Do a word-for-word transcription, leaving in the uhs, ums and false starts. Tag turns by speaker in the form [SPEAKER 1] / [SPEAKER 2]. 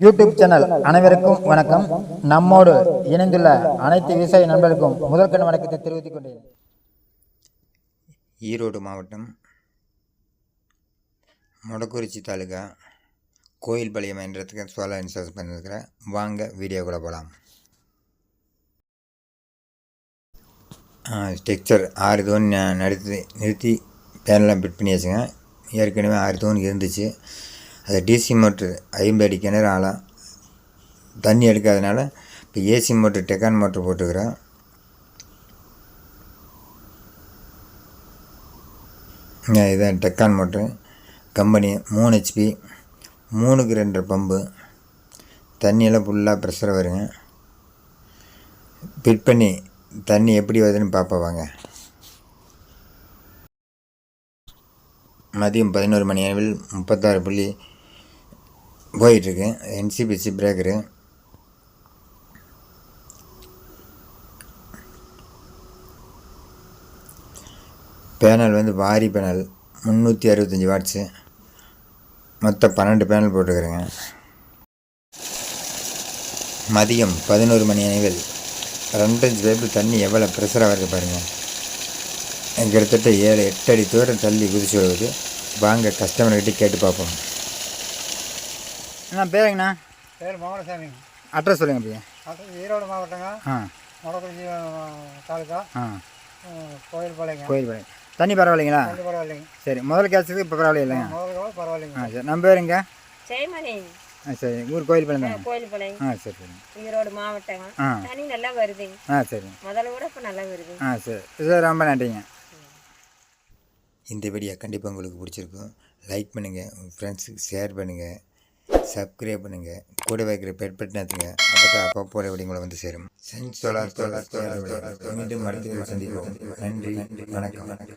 [SPEAKER 1] YouTube channel அனைவருக்கும் வணக்கம். நம்மோடு இணைந்துள்ள அனைத்து விவசாய நண்பர்களுக்கும் முதற்கண் வணக்கத்தை தெரிவித்துக் கொண்டேன்.
[SPEAKER 2] ஈரோடு மாவட்டம் மொடக்குறிச்சி தாலுகா கோயில்பாளையம் என்றதுக்கு சோலார் இன்ஸ்டால் பண்ணியிருக்கிறேன். வாங்க வீடியோ கூட போகலாம். ஸ்ட்ரக்சர் ஆறு தூண் நடத்தி நிறுத்தி பேனெலாம் ஃபிட் பண்ணி வச்சுங்க. ஏற்கனவே ஆறு தூண் இருந்துச்சு. அது டிசி மோட்ரு ஐம்பது அடி கிணறு ஆழம் தண்ணி எடுக்காதனால இப்போ ஏசி மோட்ரு டெக்கான் மோட்ரு போட்டுக்கிறேன். இதுதான் டெக்கான் மோட்ரு கம்பெனி மூணு ஹெச்பி மூணுக்கு ரெண்டு பம்பு தண்ணியெல்லாம் ஃபுல்லாக ப்ரெஷர் வருங்க. ஃபிட் பண்ணி தண்ணி எப்படி வருதுன்னு பார்ப்ப வாங்க. மதியம் பதினோரு மணி அளவில் முப்பத்தாறு புள்ளி போயிட்டுருக்கு. என்சிபிசி பிரேக்கரு பேனல் வந்து வாரி பேனல் முந்நூற்றி அறுபத்தஞ்சி வாட்ஸு மொத்தம் பன்னெண்டு பேனல் போட்டுக்கிறேங்க. மதியம் பதினோரு மணி அளவில் ரெண்டஞ்சு பேப்பு தண்ணி எவ்வளோ ப்ரெஷராக வருது பாருங்கள். கிட்டத்தட்ட ஏழு எட்டு அடி தூரம் தள்ளி குதிச்சு வருது. வாங்க கஸ்டமர்கிட்ட கேட்டு பார்ப்போம்.
[SPEAKER 1] என்ன பேருங்கண்ணா?
[SPEAKER 3] பேர் மோகனசாமி.
[SPEAKER 1] அட்ரஸ் சொல்லுங்கள். அப்படியே
[SPEAKER 3] அட்ரஸ் ஈரோடு மாவட்டங்க.
[SPEAKER 1] ஆ
[SPEAKER 3] மொடக்குறிச்சி தாலுக்கா.
[SPEAKER 1] ஆ
[SPEAKER 3] கோயில்பாளையங்க.
[SPEAKER 1] கோயில்பாளையம். தண்ணி பரவாயில்லைங்களா?
[SPEAKER 3] தண்ணி பரவாயில்லைங்க.
[SPEAKER 1] சரி, முதல் கேட்சதுக்கு இப்போ பரவாயில்ல இல்லைங்க?
[SPEAKER 3] முதல் கூட பரவாயில்லைங்க.
[SPEAKER 1] ஆ சரி. நம்ம பேருங்க?
[SPEAKER 4] ஜெயமணி.
[SPEAKER 1] ஆ சரி. ஊர் கோயில்பாளையம் தானே?
[SPEAKER 4] கோயில்பாளையம்.
[SPEAKER 1] ஆ சரி சரி.
[SPEAKER 4] ஈரோடு மாவட்டம்.
[SPEAKER 1] ஆ
[SPEAKER 4] தண்ணி நல்லா வருதுங்க.
[SPEAKER 1] ஆ சரி.
[SPEAKER 4] முதல்ல கூட இப்போ நல்லா வருது.
[SPEAKER 1] ஆ சரி. சார் ரொம்ப நன்றிங்க.
[SPEAKER 2] இந்த வீடியோ கண்டிப்பாக உங்களுக்கு பிடிச்சிருக்கும். லைக் பண்ணுங்கள், உங்கள் ஃப்ரெண்ட்ஸுக்கு ஷேர் பண்ணுங்கள், சப்ஸ்கிரைப் பண்ணுங்கள், கூட வைக்கிற பெட் பட்டனத்துங்க. அப்போ தான் அப்பப்போ வீடியோங்களை வந்து சேரும். சென்ஸ் சோலார் சோலார் மீண்டும் அடுத்த சந்திப்போம். நன்றி, வணக்கம்.